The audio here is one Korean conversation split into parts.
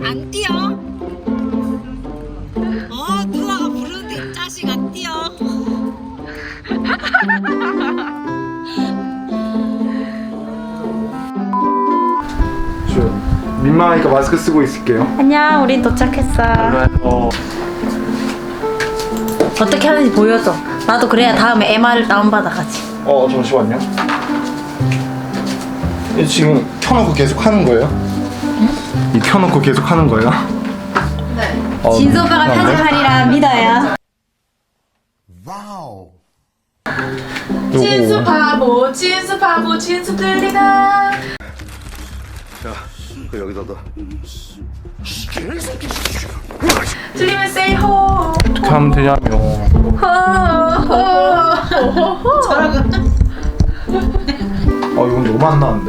안 뛰어? 누나가 부르는데 이 자식 안 뛰어? 민망하니까 마스크 쓰고 있을게요. 안녕, 우린 도착했어. 어떻게 하는지 보여줘. 나도 그래야 다음에 MR 다운받아가지. 잠시만요. 이 지금 켜놓고 계속 하는 거예요? 응? 이 켜놓고 계속 하는 거예요? 네. 진수 오빠가 편집하리라 믿어요. 와우. 진수 바보, 진수 바보, 진수 들리나? 자, 그 여기다가. 들리면 say ho. 어떻게 하면 되냐며. 이건 너무 안 나는데?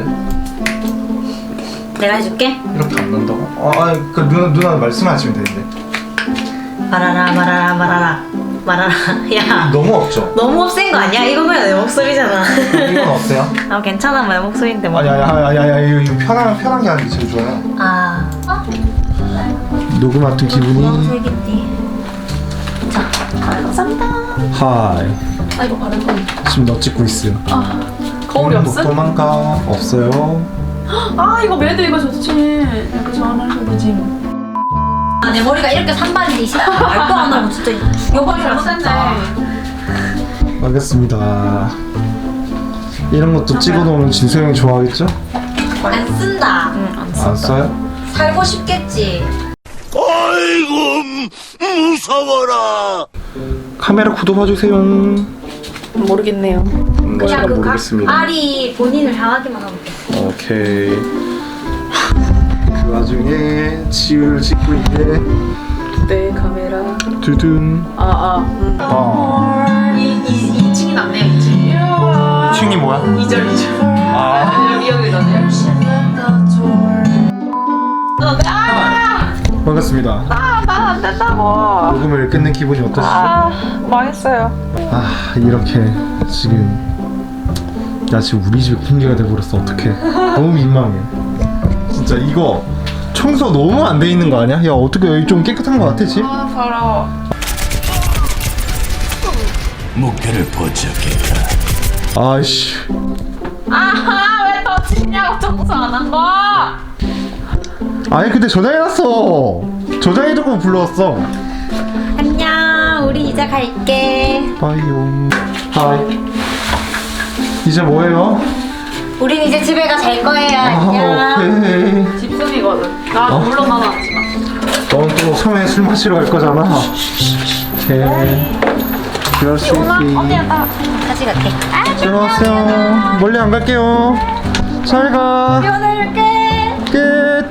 내가 해줄게. 이렇게 안 난다고? 그 누나 말씀하시면 되는데. 말아라 말아라 말아라 말아라. 야, 너무 없죠? 너무 없앤 거 아니야? 이건 그냥 내 목소리잖아. 이건 어때요? 괜찮아, 내 목소리인데 뭐. 아니, 이거 편하게 하는 게 제일 좋아요. 녹음 같은 기분이. 색이지. 자, 감사합니다. 하이. 아이고 바른 거. 지금 너 찍고 있어요. 거울이 없어? 도망가. 없어요. 이거 매드 이거 좋지. 이렇게 전화하셔도 되지. 내 머리가 이렇게 산발이 말도 안 하고 진짜 죽여버리라 진짜. 알겠습니다. 이런 것도 찍어놓으면 진수 형이 좋아하겠죠? 안 쓴다. 안 써요? 살고 싶겠지. 아이고 무서워라. 카메라 구도 봐주세요. 모르겠네요. 그냥 그 모르겠습니다. 알이 본인을 향하기만 하면 돼. 오케이. 그 와중에 지우를 찍고 있네. 네 카메라. 두둔. 2층이 낫네요. 2층. 2층이 뭐야? 2절. 여기 넣네요. 반갑습니다. 안 된다고. 녹음을 끝낸 기분이 어떠시죠? 망했어요. 이렇게 지금 나 지금 우리 집에 공개가 돼버렸어. 어떡해. 너무 민망해. 진짜 이거 청소 너무 안 돼 있는 거 아니야? 야, 어떻게 여기 좀 깨끗한 거 같아 집? 더러워. 목표를 포착했다. 아이씨. 왜 더 치냐고 청소 안 한 거? 아니 근데 저장해놨어. 저장해두고 불러왔어. 안녕, 우리 이제 갈게. 빠이용. 하이. 이제 뭐해요? 우린 이제 집에 가 잘 거예요. 안녕. 오케이. 집순이거든. 나 물론 나는 하지만. 넌 또 섬에 술 마시러 갈 거잖아. 오케이. 그럴 수 있지. 나 같이 갈게. 들어가세요. 멀리 안 갈게요. 잘 가. 오늘게. 끝.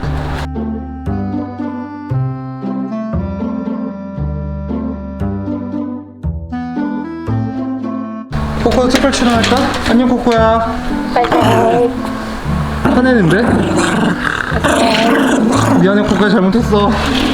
코코 특별 출연할까? 안녕 코코야. 화내는데? 미안해 코코야 잘못했어.